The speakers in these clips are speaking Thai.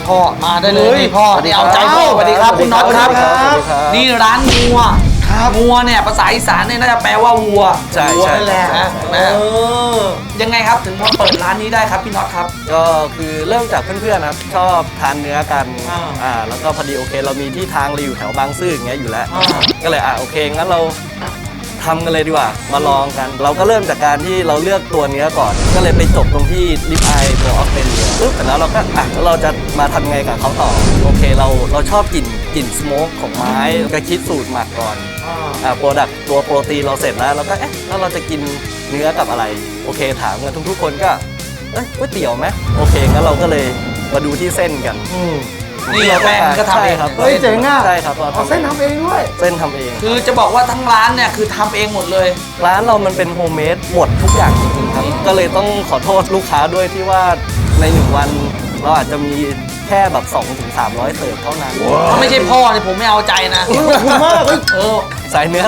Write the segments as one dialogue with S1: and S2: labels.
S1: พ่อมาได้เลยนี่พ่อนี่เอาใจพ่อสวัสดีครับคุณน็อตครับนี่ร้านงัวงัวเนี่ยภาษาอีสานเนี่ยน่าจะแปลว่าวัววัวนั่นแหละนะยังไงครับถึงมาเปิดร้านนี้ได้ครับพี่น็อตครับ
S2: ก็คือเริ่มจากเพื่อนๆครับชอบทานเนื้อกันแล้วก็พอดีโอเคเรามีที่ทางอยู่แถวบางซื่ออย่างเงี้ยอยู่แล้วก็เลยโอเคงั้นเราทำกันเลยดีกว่ามาลองกันเราก็เริ่มจากการที่เราเลือกตัวเนื้อก่อนก็เลยไปจบตรงที่ลิปอายตัวออสเตรเลียปุ๊บแต่แล้วเราก็แล้วเราจะมาทำไงกับเขาต่อโอเคเราชอบกลิ่นสโมกของไม้ก็คิดสูตรหมักก่อนโปรดักต์ตัวโปรตีนเราเสร็จแล้วเราก็แล้วเราจะกินเนื้อกับอะไรโอเคถามกันทุกๆคนก็ก๋วยเตี๋ยวไหมโอเคงั้นเราก็เลยมาดูที่เส้นกัน
S1: นี่แป้งก็ทำเอง
S2: ครับ
S3: เฮ้ยเจ๋งอ่ะ
S2: ใช่ครับ
S3: เราเส้นทำเองด้วย
S2: เส้นทำเอง
S1: คือจะบอกว่าทั้งร้านเนี่ยคือทำเองหมดเลย
S2: ร้านเรามันเป็นโฮมเมดหมดทุกอย่างจริงๆครับก็เลยต้องขอโทษลูกค้าด้วยที่ว่าใน1วันเราอาจจะมีแค่แบบ200-300 เสิร์ฟเท่านั้น
S1: ถ้าไม่ใช่พ่อเนี่ยผมไม่เอาใจนะ
S3: ขอบคุณมาก
S2: ใส่เนื้อ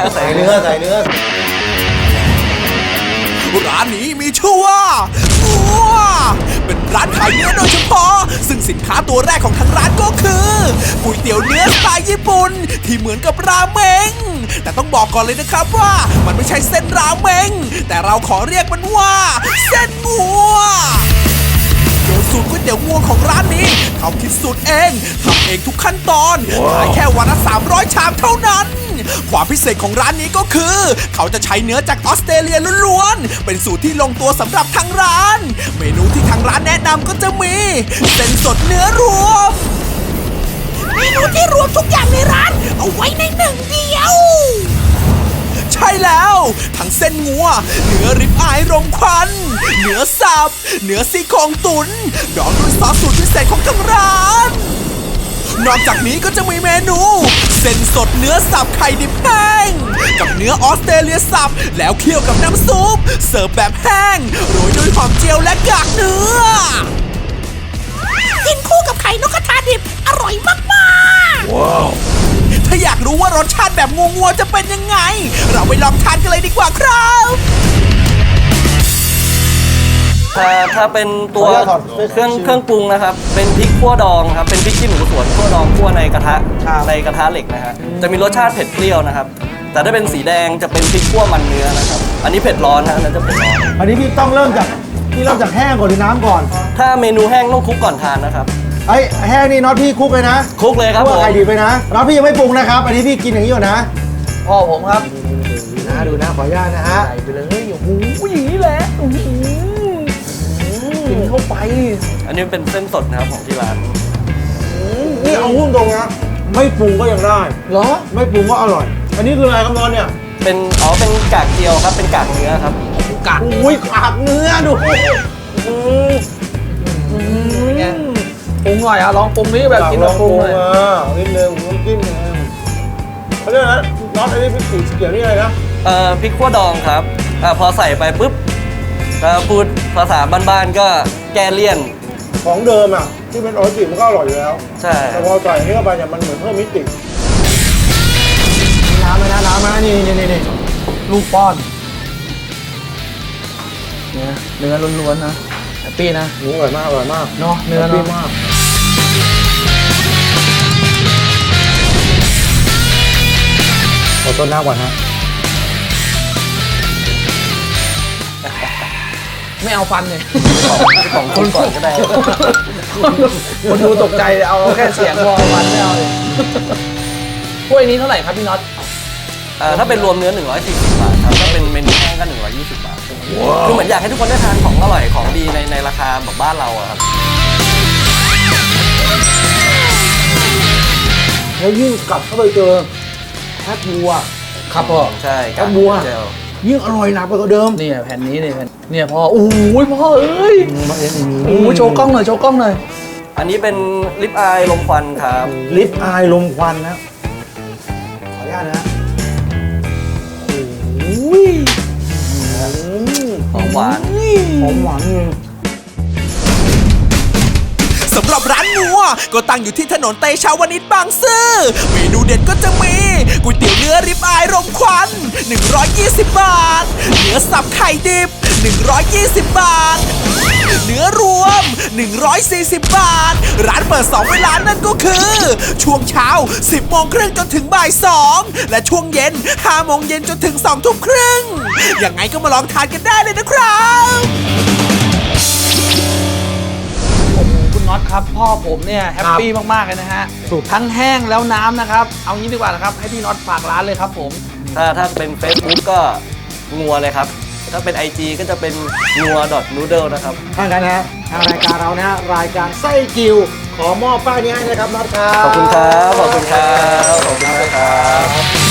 S4: ร้านนี้มีชื่อว่าเป็นร้านขายเนื้อโดยเฉพาะซึ่งสินค้าตัวแรกของทางร้านก็คือก๋วยเตี๋ยวเนื้อสไตล์ญี่ปุ่นที่เหมือนกับราเมงแต่ต้องบอกก่อนเลยนะครับว่ามันไม่ใช่เส้นราเมงแต่เราขอเรียกมันว่าเส้นงัวโดยสูตรก๋วยเตี๋ยวงัวของร้านนี้เขาคิดสูตรเองทำเองทุกขั้นตอนขายแค่วันละ300 ชามเท่านั้นความพิเศษของร้านนี้ก็คือเขาจะใช้เนื้อจากออสเตรเลียล้วนๆเป็นสูตรที่ลงตัวสำหรับทางร้านเมนูที่ทางร้านแนะนำก็จะมีเส้นสดเนื้อรวมเมนูที่รวมทุกอย่างในร้านเอาไว้ในหนึ่งเดียวใช่แล้วทั้งเส้นงัวเนื้อริบอายรมควันเนื้อสับเนื้อซี่โครงตุ๋นดองด้วยซอสสูตรพิเศษของทางร้านนอกจากนี้ก็จะมีเมนูเส้นสดเนื้อสับไข่ดิบแห้งกับเนื้อออสเตรเลียสับแล้วเคี่ยวกับน้ำซุปเสิร์ฟแบบแห้งโรยด้วยหอมเจียวและกากเนื้อกินคู่กับไข่นกกระทาดิบอร่อยมากๆว้าวถ้าอยากรู้ว่ารสชาติแบบงัวๆจะเป็นยังไงเราไปลองทานกันเลยดีกว่าครับ
S2: ถ้าเป็นตัวเครื่องปรุงนะครับเป็นพริกขั่วดองครับเป็นพริกขี้หนูสวนขั่วดองขั่วในกระทะเหล็กนะฮะจะมีรสชาติเผ็ดเปรี้ยวนะครับแต่ถ้าเป็นสีแดงจะเป็นพริกขั่วมันเนื้อนะครับอันนี้เผ็ดร้อนนะอันนั้นจะเผ็ดร้อน
S3: อันนี้พี่ต้องเริ่มจากแห้งก่อนหรือน้ำก่อน
S2: ถ้าเมนูแห้งต้องคลุกก่อนทานนะครับ
S3: แห้งนี่น็อตพี่คลุกเลยนะ
S2: คลุกเลยครับผม
S3: ไข่ดิบไปนะน็อตพี่ยังไม่ปรุงนะครับอันนี้พี่กินอย่างนี้อยู่นะ
S1: พ่อผมครับ
S3: ดูนะขออนุญาตนะฮะ
S1: ใส่ไปเลยโอ้โหอย่างนี้แหละกินเข้าไป
S2: อันนี้เป็นเส้นสดนะครับของที่ร้าน
S3: นี่เอาหุ้นตรงนะไม่ปรุงก็ยังได้
S1: เหรอ
S3: ไม่ปรุงก็อร่อยอันนี้คืออะไรครับนอนเนี่ย
S2: เป็นกากเจียวครับเป็นกากเนื้อครับ
S3: กากกากเนื้อดู
S1: ปรุงหน่อยลองปรุงนี้แบบกินแบบปรุงเลย
S3: นิดนึงน้ำจิ้มเขาเรียกนะน็อตอันนี้พริกสีเขียวนี่อะไรนะ
S2: พริกขั่วดองครับพอใส่ไปปุ๊บพูดภาษาบ้านๆก็แก้เลี่ยน
S3: ของเดิมอ่ะที่เป็นออริจินมันก็อร่อยอยู่แล้ว
S2: ใช่
S3: แต่พอใส่นี้เข้าไปเนี่ยมันเหมือนเพิ่มมิติน้ำมานี่
S1: ลูกป้อนเนื้อล้วนๆนะแฮปปี้นะ
S3: อร่อยมาก
S1: เนาะเนื้อ
S3: ดีมากขอต้นน้ำก่อนฮะ
S1: ไม่เอาฟันเลย
S2: ของคนก่อนก็ได้
S1: คนดูตกใจเอาแค่เสียงพอฟันไม่เอาเลยถ้วยนี้เท่าไหร่ครับพี่น็อต
S2: ถ้าเป็นรวมเนื้อ140 บาทครับถ้าเป็นเมนูแห้งก็120 บาทคือเหมือนอยากให้ทุกคนได้ทานของอร่อยของดีในราคาแบบบ้านเราอะครับ
S3: แล้วยิ่งกลับเข้าไปเจอแคบวัว
S1: ครับพ่อ
S2: ใช่
S3: แคบวัวยิ่งอร่อยหนักกว่าเดิม
S1: เนี่ยแผ่นนี้เนี่ยพ่อโอ้ยพ่อเอ้ยโอ้โชว์กล้องหน่อย
S2: อันนี้เป็นลิปอายลมควันครับ
S3: ลิปอายลมควันนะขออนุญาตนะ
S2: หอมหวาน
S4: สำหรับร้านงัวก็ตั้งอยู่ที่ถนนเตชะวนิชบางซื่อเมนูเด็ดก็จะมีก๋วยเตี๋ยวเนื้อริบอายรมควัน 120 บาท เนื้อสับไข่ดิบ 120 บาท เนื้อรวม 140 บาท ร้านเปิด 2 เวลานั่นก็คือ ช่วงเช้า 10 โมงครึ่งจนถึงบ่าย 2 และช่วงเย็น 5 โมงเย็นจนถึง 2 ทุ่มครึ่ง ยังไงก็มาลองทานกันได้เลยนะครับ
S1: คุณน็อตครับพ่อผมเนี่ยแฮปปี้มากๆเลยนะฮะทั้งแห้งแล้วน้ำนะครับเอางี้ดีกว่านะครับให้พี่น็อตฝากร้านเลยครับผม
S2: ถ้าเป็น Facebook ก็งัวเลยครับ ถ้าเป็น IG ก็จะเป็นงัว .noodle นะครับ
S3: ถ้างั้นนะฮะทางรายการเรานะฮะรายการไส้กิวขอมอบป้ายนี้ให้นะครับน็อตครับ
S2: ขอบคุณครับ ขอบคุณครับ ขอบคุณมากครับ